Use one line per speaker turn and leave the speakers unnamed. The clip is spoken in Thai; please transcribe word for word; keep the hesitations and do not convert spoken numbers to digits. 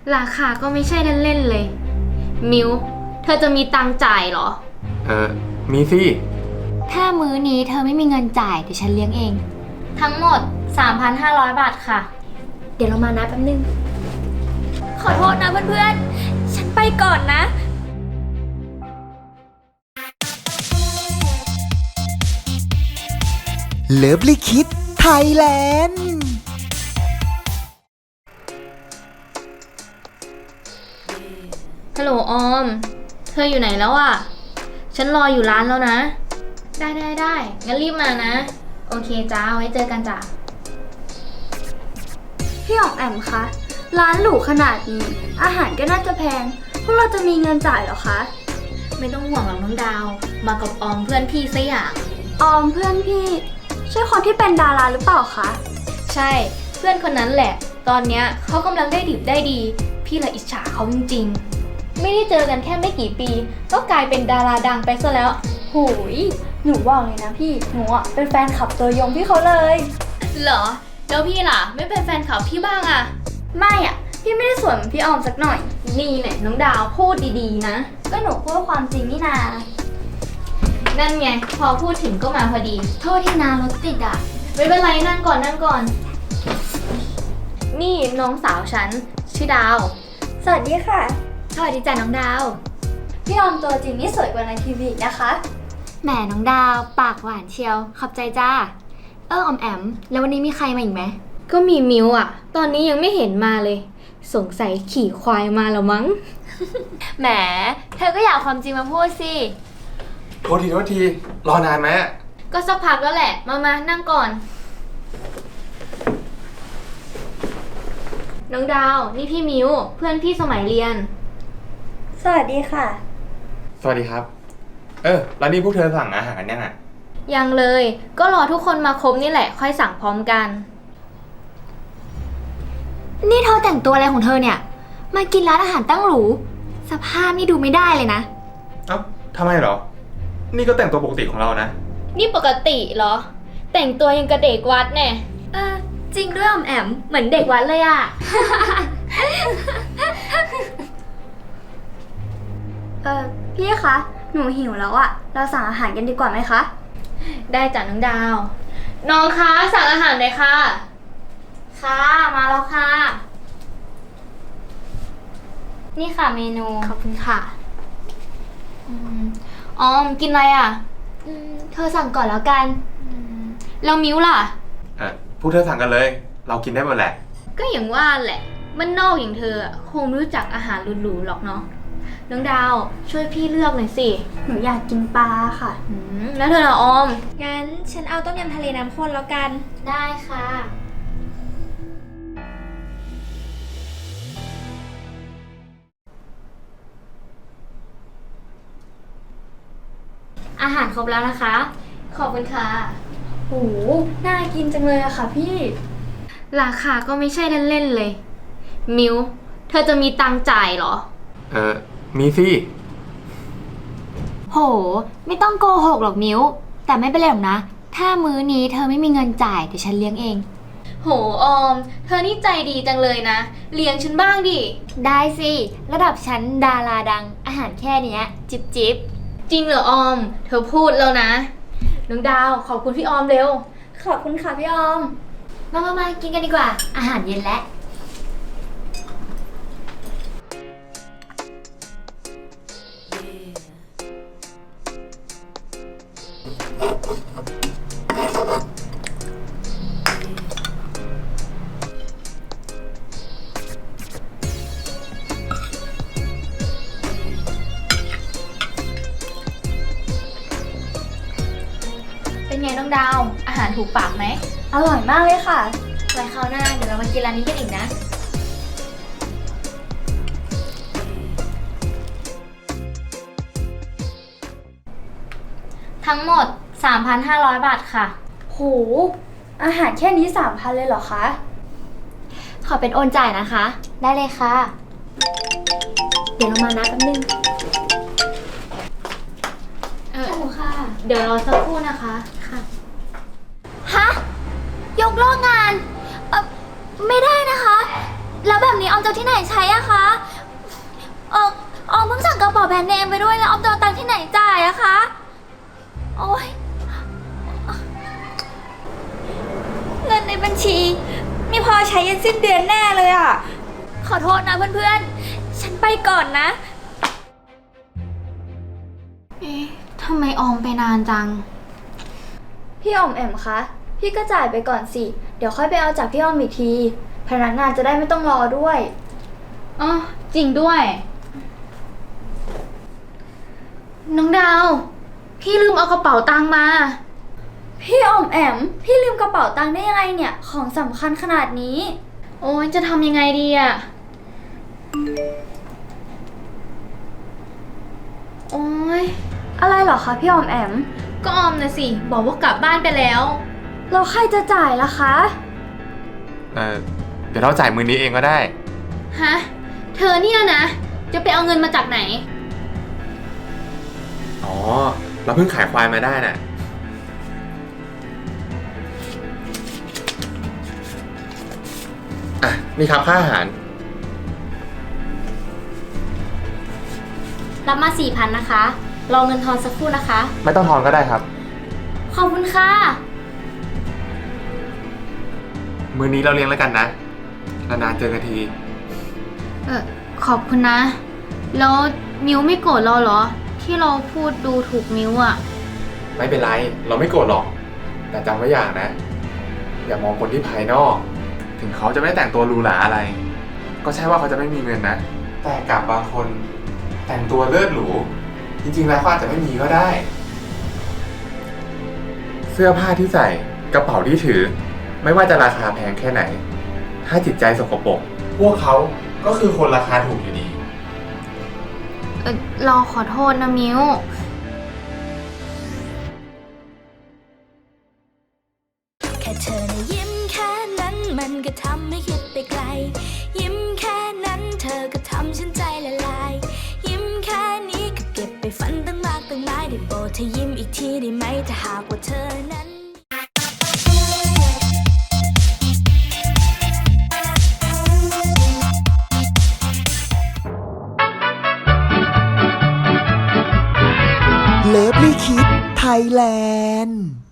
ราคาก็ไม่ใช่เล่นๆเลยมิวเธอจะมีตังค์จ่ายเหรอ
เออมีสิ
ถ้ามื้อนี้เธอไม่มีเงินจ่ายเดี๋ยวฉันเลี้ยงเอง
ทั้งหมด สามพันห้าร้อย บาทค่ะ
เดี๋ยวเรามานับแป๊บนึงขอโทษนะเพื่อนๆฉันไปก่อนนะ
เลิฟลิคิดไทยแลนด์
ฮัลโหลออมเธออยู่ไหนแล้วอ่ะฉันรออยู่ร้านแล้วนะได้ได้ได้งั้นรีบมานะโอเคจ้าไว้เจอกันจ้ะ
พี่อ๋อมแอมคะร้านหรูขนาดนี้อาหารก็น่าจะแพงพวกเราจะมีเงินจ่ายเหรอคะ
ไม่ต้องห่วงหรอกน้องดาวมากับออมเพื่อนพี่ซะอย่าง
ออมเพื่อนพี่ใช่คนที่เป็นดาราหรือเปล่าคะ
ใช่เพื่อนคนนั้นแหละตอนเนี้ยเขากำลังได้ดิบได้ดีพี่ละอิจฉาเขาจริงๆไม่ได้เจอกันแค่ไม่กี่ปีก็กลายเป็นดาราดังไปซะแล้ว
หูยหนูบอกเลยนะพี่หนูอ่ะเป็นแฟนคลับตัวยงพี่เขาเลย
เหรอแล้วพี่ล่ะไม่เป็นแฟนคลับพี่บ้างอะ
ไม่อ่ะพี่ไม่ได้สวยเหมือนพี่ออมสักหน่อย
นี่แหละน้องดาวพูดดีๆนะ
ก็หนูพูดความจริงนี่นา
นั่นไงพอพูดถึงก็มาพอดี
โทษที่นารถติดอ่ะ
ไม่เป็นไรนั่งก่อนนั่งก่อนนี่น้องสาวฉันชื่อดาว
สวัสดีค่ะ
สวัสดีจ้ะน้องดาว
พี่ออมตัวจริงนี่สวยกว่าในทีวีนะคะ
แหมน้องดาวปากหวานเชียวขอบใจจ้าเออออมแอมแล้ววันนี้มีใครมาอีกไหม
ก็มีมิวอ่ะตอนนี้ยังไม่เห็นมาเลยสงสัยขี่ควายมาแล้วมั้ง
แหมเธอก็อยากความจริงมาพูดสิ
โทษทีโทษทีรอนานไหม
ก็สักพักแล้วแหละมามานั่งก่อนน้องดาวนี่พี่มิวเพื่อนพี่สมัยเรียน
สวัสดีค่ะ
สวัสดีครับเออแล้วนี่พวกเธอสั่งอาหารยังอ่ะ
ยังเลยก็รอทุกคนมาครบนี่แหละค่อยสั่งพร้อมกัน
นี่เธอแต่งตัวอะไรของเธอเนี่ยมากินร้านอาหารตั้งหรูสภาพนี่ดูไม่ได้เลยนะ
เอ้าทำไมเหรอนี่ก็แต่งตัวปกติของเรานะ
นี่ปกติเหรอแต่งตัวยังกระเด็กวัดแน่
เออจริงด้วยออมแอมเหมือนเด็กวัดเลยอะ
เออพี่คะหนูหิวแล้วอะเราสั่งอาหารกันดีกว่าไหมคะ
ได้จ้ะน้องดาวน้องคะสั่งอาหารเลยค่ะค่ะมาแล้วค่ะนี่ค่ะเมนู
ขอบคุณค่ะ
ออมกินอะไรอ่ะ
เธอสั่งก่อนแล้วกัน
แล้วมิ้วล่ะ
เออพวกเธอสั่งกันเลยเรากินได้หมดแหละ
ก็อย่างว่าแหละมันนอกอย่างเธอคงไม่รู้จักอาหารหรูๆหรอกเนาะน้องดาวช่วยพี่เลือกหน่อยสิ
หนูอยากกินปลาค่ะ
แล้วเธอละออม
งั้นฉันเอาต้มยำทะเลน้ำข้นแล้วกัน
ได้ค่ะอาหารครบแล้วนะคะขอบคุณค่ะ
โหน่ากินจังเลยอะค่ะพี่
ราคาก็ไม่ใช่เล่นๆเลยมิวเธอจะมีตังค์จ่ายเหรอ
เออมีสิ
โหไม่ต้องโกหกหรอกมิวแต่ไม่เป็นไรหรอกนะถ้ามื้อนี้เธอไม่มีเงินจ่ายเดี๋ยวฉันเลี้ยงเอง
โหออมเธอนี่ใจดีจังเลยนะเลี้ยงฉันบ้างดิ
ได้สิระดับฉันดาราดังอาหารแค่เนี้ยจิบจิบ
จริงเหรอออมเธอพูดแล้วนะน้องดาวขอบคุณพี่ออมเร็ว
ขอบคุณค่ะพี่ออม
มามามากินกันดีกว่าอาหารเย็นแล้ว
เป็นไงน้องดาวอาหารถูกปากไหม
อร่อยมากเลยค่ะ
ไว้คราวหน้าเดี๋ยวเรามากินร้านนี้กันอีกนะ
ทั้งหมด สามพันห้าร้อย บาทค่ะ
โหอาหารแค่นี้ สามพัน เลยเหรอคะ
ขอเป็นโอนจ่ายนะคะได้เลยค่ะเดี๋ยวเรามานับแป๊บนึง
เออค่ะเดี๋ยวรอสักครู่นะคะ
ค่ะฮะยกเลิกงานเออไม่ได้นะคะแล้วแบบนี้ออมจะเอาที่ไหนใช้อะคะเออออมเพิ่งสั่งกระเป๋าแบรนด์เนมไปด้วยแล้วออมจะเอาตังค์ที่ไหนจ่ายอะคะโอ๊ยเงินในบัญชีไมีพอใช้ยันสิ้นเดือนแน่เลยอะขอโทษนะเพื่อนๆ ฉันไปก่อนนะ
เอ๊ะทำไมออมไปนานจัง
พี่ออมแอมคะ พี่ก็จ่ายไปก่อนสิ เดี๋ยวค่อยไปเอาจากพี่ออมอีกที พนักงานจะได้ไม่ต้องรอด้วย
อ๋อ จริงด้วย น้องดาว พี่ลืมเอากระเป๋าตังค์มา
พี่ออมแอม พี่ลืมกระเป๋าตังค์ได้ยังไงเนี่ย ของสำคัญขนาดนี้
โอ้ยจะทำยังไงดีอะโอ้ย
อะไรเหรอคะพี่ออมแอม
ก็ออมนะสิ บอกว่ากลับบ้านไปแล้ว
เราใครจะจ่ายล่ะคะ
เออเดี๋ยวเราจ่ายมือนี้เองก็ได้
ฮะ เธอเนี่ยนะ จะไปเอาเงินมาจากไหน
อ๋อ เราเพิ่งขายควายมาได้น่ะ อ่ะ นี่ครับค่าอาหาร
รับมาสี่พันนะคะ รอเงินทอนสักครู่นะคะ
ไม่ต้องทอนก็ได้ครับ
ขอบคุณค่ะ
มือนี้เราเลี้ยงแล้วกันนะ นานๆเจอกันที
เออขอบคุณนะ แล้วมิวไม่โกรธเราเหรอ ที่เราพูดดูถูกมิวอะ
ไม่เป็นไร เราไม่โกรธหรอก แต่จำไว้อย่างนะ อย่ามองคนที่ภายนอก ถึงเขาจะไม่แต่งตัวหรูหราอะไร ก็ใช่ว่าเขาจะไม่มีเงินนะ แต่กับบางคนแต่งตัวเลิศหรู จริงๆแล้วเขาอาจจะไม่มีก็ได้ เสื้อผ้าที่ใส่ กระเป๋าที่ถือ ไม่ว่าจะราคาแพงแค่ไหน ถ้าจิตใจสกปรก พวกเขาก็คือคนราคาถูกอยู่ดี
เออเราขอโทษนะมิว
แค่เธอนะยิ้มแค่นั้นมันก็ทำให้คิดไปไกล ยิ้มแค่นั้นเธอก็ทำฉันใจละลาย ยิ้มแค่นี้ก็เก็บไปฝันตั้งมากตั้งหลายได้โปรดเธอยิ้มอีกทีได้ไหมถ้าหากว่าเธอนั้น
เลิฟลี่คิดไทยแลนด์